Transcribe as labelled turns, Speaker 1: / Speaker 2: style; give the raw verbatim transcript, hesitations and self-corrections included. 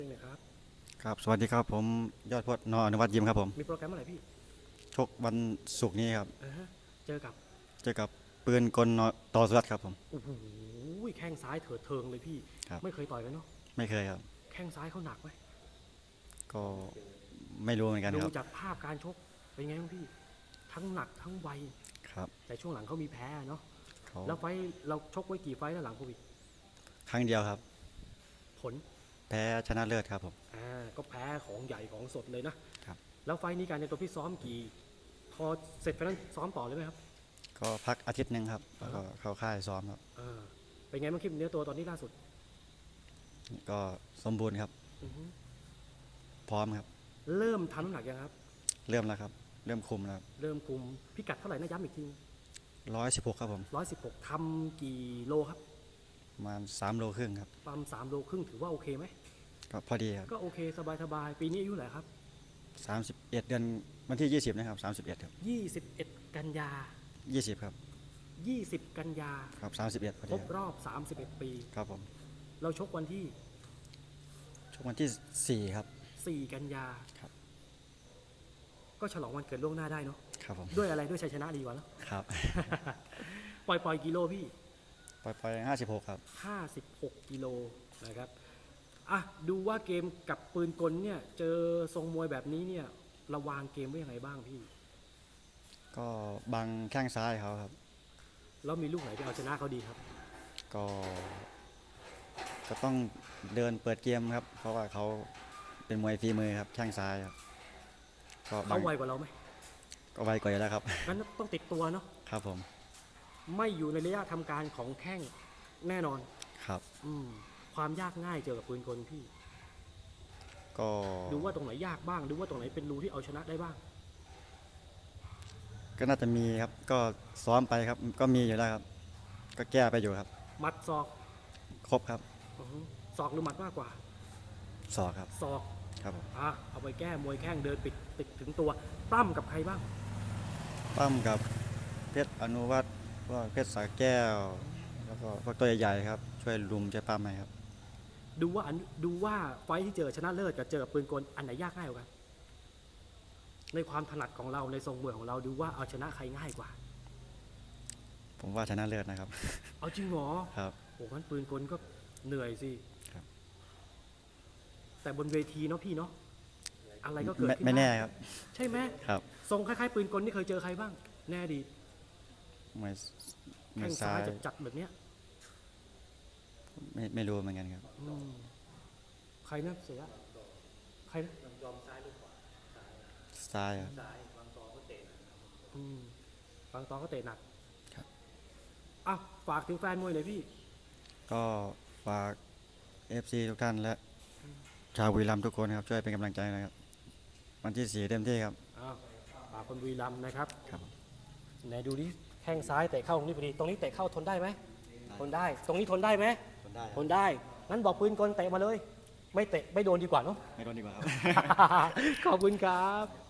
Speaker 1: นะครับ
Speaker 2: ครับสวัสดีครับผมยอดพจน์นอนุวัฒน์ยิมครับผม
Speaker 1: มีโปรแกรมเมื่อไหร่พี่
Speaker 2: ชกวันศุกร์นี้ครับ
Speaker 1: อ่าฮะเจอกับ
Speaker 2: เจอกับปืนกลนต่อสุรัตน์ครับผม
Speaker 1: โอ้โหแข้งซ้ายเถิดเทิงเลยพี่
Speaker 2: ครับ
Speaker 1: ไม่เคยต่อยกันเนาะ
Speaker 2: ไม่เคยครับ
Speaker 1: แข้งซ้ายเขาหนักไหม
Speaker 2: ก็ไม่รู้เหมือนกัน
Speaker 1: ดู
Speaker 2: ครับ
Speaker 1: จากภาพการชกเป็นไงบ้างพี่ทั้งหนักทั้งไว
Speaker 2: ครับ
Speaker 1: แต่ช่วงหลังเขามีแพ้เนาะ
Speaker 2: เขา
Speaker 1: แล้วไฟเราชกไว้กี่ไฟแล้วหลังโควิด
Speaker 2: ครั้งเดียวครับ
Speaker 1: ผล
Speaker 2: แพ้ชนะเลิศครับผม
Speaker 1: อ่าก็แพ้ของใหญ่ของสดเลยนะครับแล้วไฟนี้การในตัวพี่ซ้อมกี่พอเสร็จไปแล้วซ้อมต่อเลยไหมครับ
Speaker 2: ก็พักอาทิตย์หนึ่งครับแล้วก็เข้าค่ายซ้อมครับ
Speaker 1: อ่าเป็นไงบ้างคลิปเนื้อตัวตอนนี้ล่าสุด
Speaker 2: ก็สมบูรณ์ครับพร้อมครับ
Speaker 1: เริ่มทำน้ำหนักยังครับ
Speaker 2: เริ่มแล้วครับเริ่มคุมแล้ว
Speaker 1: เริ่มคุมพิกัดเท่าไหร่นะย้ำอีกที
Speaker 2: ร้อยสิบหกครับผม
Speaker 1: ร้อยสิบหกทำกี่โลครับ
Speaker 2: ประมาณสามโลครึ่งครับ
Speaker 1: ปั๊มสามโลครึ่งถือว่าโอเคไหม
Speaker 2: ก็พอดีครับ
Speaker 1: ก็โอเคสบายสบายปีนี้อายุเท่าไหร่ครับ
Speaker 2: สามสิบเอ็ดเดือนวันที่ยี่สิบนะครับสามสิบเอ็ดครับ
Speaker 1: ยี่สิบเอ็ดกันยา
Speaker 2: ยี่สิบครับ
Speaker 1: ยี่สิบกันยา
Speaker 2: ครับสามสิบเอ็ดพอ
Speaker 1: คร
Speaker 2: ดี
Speaker 1: บรอบสามสิบเอ็ดปี
Speaker 2: ครับผม
Speaker 1: เราชกวันที่
Speaker 2: ชกวันที่สี่ครับ
Speaker 1: สี่กันยา
Speaker 2: ครับ
Speaker 1: ก็ฉลองวันเกิดล่วงหน้าได้เนาะ
Speaker 2: ครับผม
Speaker 1: ด้วยอะไรด้วยชัยชนะดีกว่าแล้ว
Speaker 2: ครับ
Speaker 1: ปล่อยปล่อยกิโลพี่
Speaker 2: ปล่อยปล่อยห้าสิบหกครับ
Speaker 1: ห้าสิบหกกิโลนะครับอ่ะดูว่าเกมกับปืนกลเนี่ยเจอทรงมวยแบบนี้เนี่ยเราวางเกมไว้ยังไงบ้างพี่
Speaker 2: ก็บังแข้งซ้ายเขาครับ
Speaker 1: แล้วมีลูกไหนที่เอาชนะเขาดีครับ
Speaker 2: ก็ก็ต้องเดินเปิดเกมครับเพราะว่าเขาเป็นมวยฝีมือครับแข้งซ้ายครับก็
Speaker 1: เขาไวกว่าเราไหม
Speaker 2: ก็ไวกว่าอยู่แล้วครับ
Speaker 1: งั้นต้องติดตัวเนาะ
Speaker 2: ครับผม
Speaker 1: ไม่อยู่ในระยะทำการของแข้งแน่นอน
Speaker 2: ครับ
Speaker 1: อืมความยากง่ายเจอกับปืนกลพี่
Speaker 2: ก็
Speaker 1: ดูว่าตรงไหนยากบ้างดูว่าตรงไหนเป็นรูที่เอาชนะได้บ้าง
Speaker 2: ก็น่าจะมีครับก็ซ้อมไปครับก็มีอยู่แล้วครับก็แก้ไปอยู่ครับ
Speaker 1: มัดศอก
Speaker 2: ครบครับ
Speaker 1: ศอกหรือหมัดมากกว่า
Speaker 2: ศอกครับ
Speaker 1: ศอก
Speaker 2: ครับผม
Speaker 1: อ่ะเอาไปแก้มวยแข้งเดินปิดติดถึงตัวปล้ำกับใครบ้าง
Speaker 2: ปั้มกับเพชรอนุวัฒน์พวกเพชรสาแก้วแล้วก็พวกตัวใหญ่ๆครับช่วยลุมช่วยปั้มไหมครับ
Speaker 1: ดูว่าดูว่าไฟที่เจอชนะเลิศกับเจอปืนกลอันไหนยากง่ายกว่ากันในความถนัดของเราในทรงมวยของเราดูว่าเอาชนะใครง่ายกว่า
Speaker 2: ผมว่าชนะเลิศนะครับ
Speaker 1: เอาจริงเหรอ
Speaker 2: ครับ
Speaker 1: โอ้งั้นปืนกลก็เหนื่อยสิ
Speaker 2: ครับ
Speaker 1: แต่บนเวทีเนาะพี่เนาะอะไรก็เกิดขึ้น
Speaker 2: ไม่แน่ครับ
Speaker 1: ใช่ไหม
Speaker 2: ครับ
Speaker 1: ทรงคล้ายๆปืนกลนี่เคยเจอใครบ้างแน่ดี
Speaker 2: มวยมว
Speaker 1: แข้
Speaker 2: ย
Speaker 1: งซ้ายจัดแบบเนี้ย
Speaker 2: ไม่ไม่รู้เหมือนกันครับ
Speaker 1: ใครนะเสียใครนะยอมซ้ายหรือขวา
Speaker 2: ซ้ายครับ
Speaker 1: ซ้ายบางตอก็เตะบางตอก็เตะหนัก
Speaker 2: ครับ
Speaker 1: อ่ะฝากถึงแฟนมวยหน่อยพี่
Speaker 2: ก็ฝาก เอฟ ซี ทุกท่านและชาวบุรีรัมย์ทุกคนครับช่วยเป็นกำลังใจนะครับวันที่สี่เต็มที่ครับ
Speaker 1: ฝากคนบุรีรัมย์นะครับ
Speaker 2: ครับ
Speaker 1: ไหนดูดิแข้งซ้ายเตะเข้าตรงนี้พอดีตรงนี้เตะเข้าทนได้ไหมทนได้ตรงนี้ทนได้ไหม
Speaker 2: ทนได้
Speaker 1: ทนได้งั้นบอกปืนกลเตะมาเลยไม่เตะไม่โดนดีกว่าเนาะ
Speaker 2: ไม่โดนดีกว่าครับ
Speaker 1: ขอบคุณครับ